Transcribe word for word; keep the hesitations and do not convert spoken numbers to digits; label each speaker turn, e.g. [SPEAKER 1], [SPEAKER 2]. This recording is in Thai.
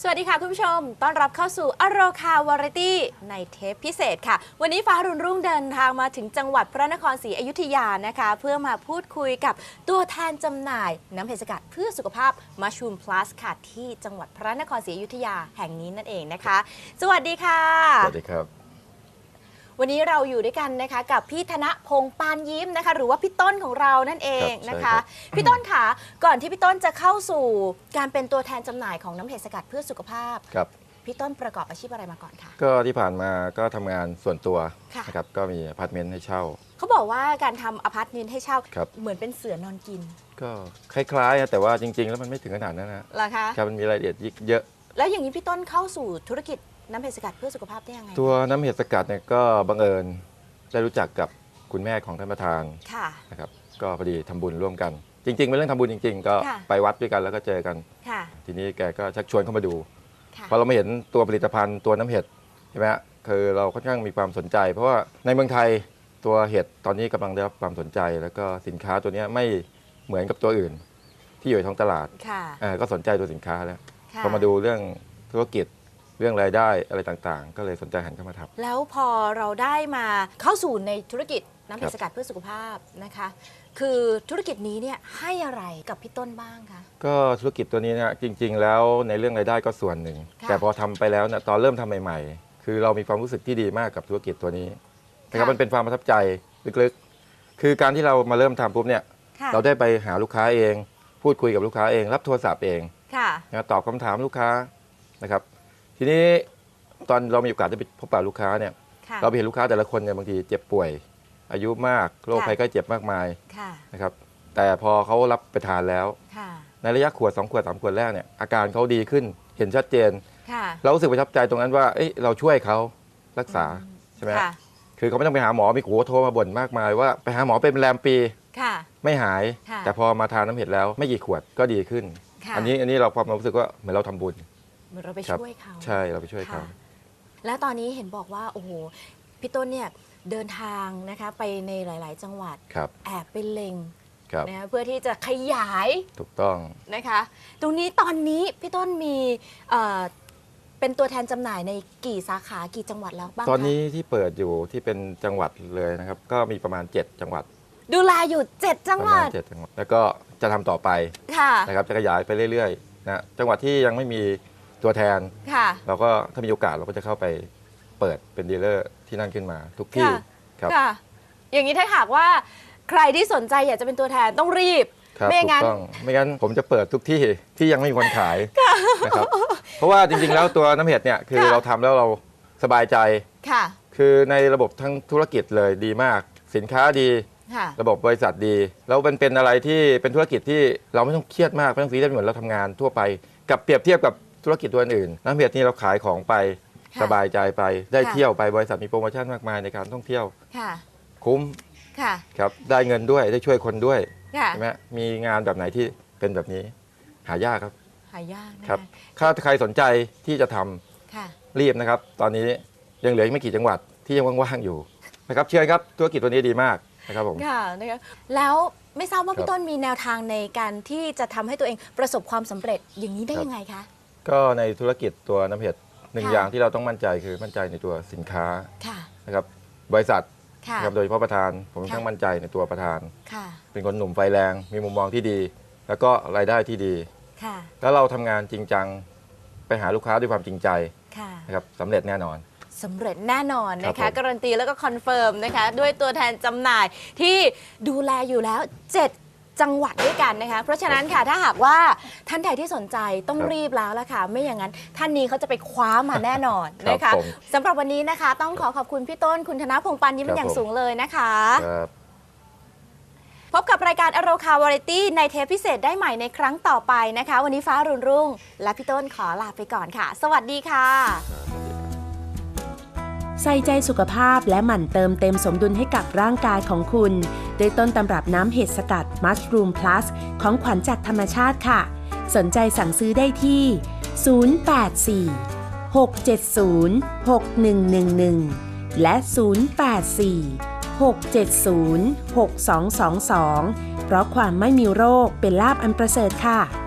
[SPEAKER 1] สวัสดีค่ะคุณผู้ชมต้อนรับเข้าสู่อโรคาวาไรตี้ในเทปพิเศษค่ะวันนี้ฟ้ารุ่นรุ่งเดินทางมาถึงจังหวัดพระนครศรีอยุธยานะคะเพื่อมาพูดคุยกับตัวแทนจำหน่ายน้ำเห็ดสกัดเพื่อสุขภาพ Mushroom Plus ค่ะที่จังหวัดพระนครศรีอยุธยาแห่งนี้นั่นเองนะคะสวัสดีค่ะ
[SPEAKER 2] สวัสดีครับ
[SPEAKER 1] วันนี้เราอยู่ด้วยกันนะคะกับพี่ธนพงษ์ปานยิ้มนะคะหรือว่าพี่ต้นของเรานั่นเองนะคะพี่ต้นค่ะก่อนที่พี่ต้นจะเข้าสู่การเป็นตัวแทนจำหน่ายของน้ำเห็ดสกัดเพื่อสุขภาพ
[SPEAKER 2] ครับ
[SPEAKER 1] พี่ต้นประกอบอาชีพอะไรมาก่อนคะ
[SPEAKER 2] ก็ที่ผ่านมาก็ทำงานส่วนตัวนะครับก็มีอพาร์ตเมนต์ให้เช่า
[SPEAKER 1] เขาบอกว่าการทำอพาร์ตเมนต์ให้เช่าเหมือนเป็นเสือนอนกิน
[SPEAKER 2] ก็คล้ายๆแต่ว่าจริงๆแล้วมันไม่ถึงขนาดนั้นนะ
[SPEAKER 1] เหรอคะ
[SPEAKER 2] ครับมันมีรายละเอียดเยอะ
[SPEAKER 1] แล้วอย่างนี้พี่ต้นเข้าสู่ธุรกิจน้ำเห็ดสกัดเพื่อสุขภาพได้ยังไง
[SPEAKER 2] ตัวน้ำเห็ดสกัดเนี่ยก็บังเอิญได้รู้จักกับคุณแม่ของท่านประธานนะครับก็พอดีทำบุญร่วมกันจริงๆเป็นเรื่องทำบุญจริงๆก็ไปวัดด้วยกันแล้วก็เจอกันทีนี้แกก็ชักชวนเข้ามาดูพอเรามาเห็นตัวผลิตภัณฑ์ตัวน้ำเห็ดใช่ไหมคือเราค่อนข้างมีความสนใจเพราะว่าในเมืองไทยตัวเห็ดตอนนี้กำลังได้รับความสนใจแล้วก็สินค้าตัวนี้ไม่เหมือนกับตัวอื่นที่อยู่ในท้องตลาดก็สนใจตัวสินค้าแล้วพอมาดูเรื่องธุรกิจเรื่องรายได้อะไรต่างๆก็เลยสนใจหันเข้ามาทำ
[SPEAKER 1] แล้วพอเราได้มาเข้าสู่ในธุรกิจน้ำเห็ดสกัดเพื่อสุขภาพนะคะคือธุรกิจนี้เนี่ยให้อะไรกับพี่ต้นบ้างคะ
[SPEAKER 2] ก็ธุรกิจตัวนี้เนี่ยจริงๆแล้วในเรื่องรายได้ก็ส่วนหนึ่งแต่พอทำไปแล้วเนี่ยตอนเริ่มทำใหม่ๆคือเรามีความรู้สึกที่ดีมากกับธุรกิจตัวนี้นะครับมันเป็นความประทับใจลึกๆคือการที่เรามาเริ่มทำปุ๊บเนี่ยเราได้ไปหาลูกค้าเองพูดคุยกับลูกค้าเองรับโทรศัพท์เองนะตอบคำถามลูกค้านะครับทีนี้ตอนเรามีโอกาสได้ไปพบปะลูกค้าเนี่ยเราไปเห็นลูกค้าแต่ละคนเนี่ยบางทีเจ็บป่วยอายุมากโรคภัยไข้เจ็บมากมายนะครับแต่พอเขารับไปทานแล้วในระยะขวดสองขวดสามขวดแรกเนี่ยอาการเขาดีขึ้นเห็นชัดเจนเรารู้สึกประทับใจตรงนั้นว่าเอ้ยเราช่วยเขารักษาใช่ไหมคือเขาไม่ต้องไปหาหมอมีโขโทรมาบ่นมากมายว่าไปหาหมอเป็นแรมปีไม่หายแต่พอมาทานน้ำเห็ดแล้วไม่กี่ขวดก็ดีขึ้นอันนี้อันนี้เราความรู้สึกว่าเหมือนเราทำบุญ
[SPEAKER 1] เหมือนเราไปช่วยเขา
[SPEAKER 2] ใช่เราไปช่วยเขา
[SPEAKER 1] แล้วตอนนี้เห็นบอกว่าโอ้โหพี่ต้นเนี่ยเดินทางนะคะไปในหลาย ๆ จังหวัดแอบไปเล็งนะเพื่อที่จะขยาย
[SPEAKER 2] ถูกต้อง
[SPEAKER 1] นะคะตรงนี้ตอนนี้พี่ต้นมีเป็นตัวแทนจำหน่ายในกี่สาขากี่จังหวัดแล้วบ้าง
[SPEAKER 2] ตอนนี้ที่เปิดอยู่ที่เป็นจังหวัดเลยนะครับก็มีประมาณเจ็ดจังหวัด
[SPEAKER 1] ดูแลอยู่เจ็ดจังหวัด
[SPEAKER 2] เจ็ดจังหวัดแล้วก็จะทำต่อไปนะครับจะขยายไปเรื่อยๆนะจังหวัดที่ยังไม่มีตัวแทนเราก็ถ้ามีโอกาสเราก็จะเข้าไปเปิดเป็นดีลเลอร์ที่นั่นขึ้นมาทุกที่ครับ
[SPEAKER 1] อย่างนี้ถ้าหากว่าใครที่สนใจอยากจะเป็นตัวแทนต้องรีบไม่งั้น
[SPEAKER 2] ไม่งั้นผมจะเปิดทุกที่ที่ยังไม่มีคนขายนะครับเพราะว่าจริงๆแล้วตัวน้ำเห็ดเนี่ยคือเราทำแล้วเราสบายใจคือในระบบทั้งธุรกิจเลยดีมากสินค้าดีระบบบริษัทดีแล้วเป็นเป็นอะไรที่เป็นธุรกิจที่เราไม่ต้องเครียดมากไม่ต้องซีเรียสเหมือนเราทำงานทั่วไปกับเปรียบเทียบกับธุรกิจตัวอื่นน้ำเห็ดนี่เราขายของไปสบายใจไปได้เที่ยวไปบริษัทมีโปรโมชั่นมากมายในการท่องเที่ยวคุ้มครับได้เงินด้วยได้ช่วยคนด้วยใช่ไหมมีงานแบบไหนที่เป็นแบบนี้หายากครับ
[SPEAKER 1] หายาก
[SPEAKER 2] ครับถ้าใครสนใจที่จะทำรีบนะครับตอนนี้ยังเหลืออีกไม่กี่จังหวัดที่ยังว่างๆอยู่นะครับเชื่อครับธุรกิจตัวนี้ดีมากนะครับผม
[SPEAKER 1] ค่ะนะครับแล้วไม่ทราบว่าพี่ต้นมีแนวทางในการที่จะทำให้ตัวเองประสบความสำเร็จอย่างนี้ได้ยังไงคะ
[SPEAKER 2] ก็ในธุรกิจตัวน้ำเห็ดหนึ่งอย่างที่เราต้องมั่นใจคือมั่นใจในตัวสินค้านะครับบริษัทนะครับโดยเฉพาะประธานผมต้องมั่นใจในตัวประธานเป็นคนหนุ่มไฟแรงมีมุมมองที่ดีแล้วก็รายได้ที่ดีแล้วเราทำงานจริงจังไปหาลูกค้าด้วยความจริงใจนะครับสำเร็จแน่นอน
[SPEAKER 1] สำเร็จแน่นอนนะคะการันตีแล้วก็คอนเฟิร์มนะคะด้วยตัวแทนจำหน่ายที่ดูแลอยู่แล้วเจ็ดจังหวัดด้วยกันนะคะเพราะฉะนั้นค่ะถ้าหากว่าท่านใดที่สนใจต้องรีบแล้วละค่ะไม่อย่างนั้นท่านนี้เขาจะไปคว้ามาแน่นอนนะคะสำหรับวันนี้นะคะต้องขอขอบคุณพี่ต้นคุณธนพงษ์ปานยิ้มเป็นอย่างสูงเลยนะคะพบกับรายการอโรคาวาไรตี้ในเทปพิเศษได้ใหม่ในครั้งต่อไปนะคะวันนี้ฟ้ารุ่งรุ่งและพี่ต้นขอลาไปก่อนค่ะสวัสดีค่ะ
[SPEAKER 3] ใส่ใจสุขภาพและหมั่นเติมเต็มสมดุลให้กับร่างกายของคุณด้วยต้นตำรับน้ำเห็ดสกัด Mushroom Plus ของขวัญจากธรรมชาติค่ะสนใจสั่งซื้อได้ที่ ศูนย์ แปด สี่ หก เจ็ด ศูนย์ หก หนึ่ง หนึ่ง หนึ่ง และ ศูนย์ แปด สี่ หก เจ็ด ศูนย์ หก สอง สอง สอง เพราะความไม่มีโรคเป็นลาภอันประเสริฐค่ะ